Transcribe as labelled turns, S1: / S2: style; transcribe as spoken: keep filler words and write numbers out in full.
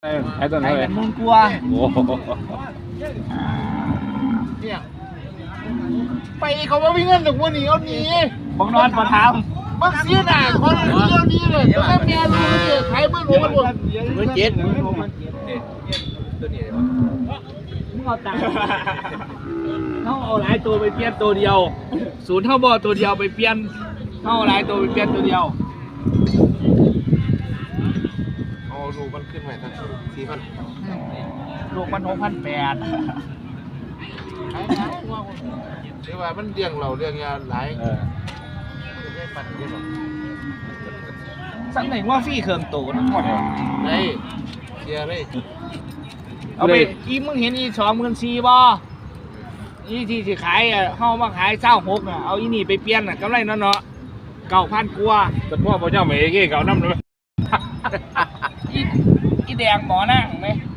S1: ไอ้ตัวไหน
S2: ไอ้กันมึงกลัว
S1: โอ้โห
S3: เนี่ยไปเขาว่าวิ่งเงินถึงวันนี้เอาหนี
S2: บังนอนปะทาม
S3: บักเสียหน่าคนเดียวนี้เลยแล้วแม่รู้เลยขายเมื่อหลวงมันหมด
S2: เมื่อเจ็ดมึงเอาตังค์เขาเอาหลายตัวไปเปลี่ยนตัวเดียวศูนย์เท่าบอตัวเดียวไปเปลี่ยนเขาเอาหลายตัวไปเปลี่ยนตัวเดียว
S3: เอาดูมันขึ้นใหม่ทั้งสี่พัน
S2: ลูกมันหกพันแปด
S3: ขายนะว่าเรียกว่ามันเลี้ยงเราเลี้ยงยาหลาย
S1: เออ
S3: ไม่ปันเยอะหรอก
S2: สักหนึ่งว่าฟรี่เครื่องตัวทั้งหมด
S3: ไงเสียเลย
S2: เอาไปอีมึงเห็นอีสองหมื่นสี่บ่อีที่สิขายอ่ะเฮามาขายเศร้าหกอ่ะเอาอีนี่ไปเปลี่ยนอ่ะกำไรเนาะเนาะเก้าพันกว่า
S1: แต่พ่อพ่อเจ้าไม่เอเก้เก่าน้ำเลย
S2: อีอีแดงหมอนั่งไหม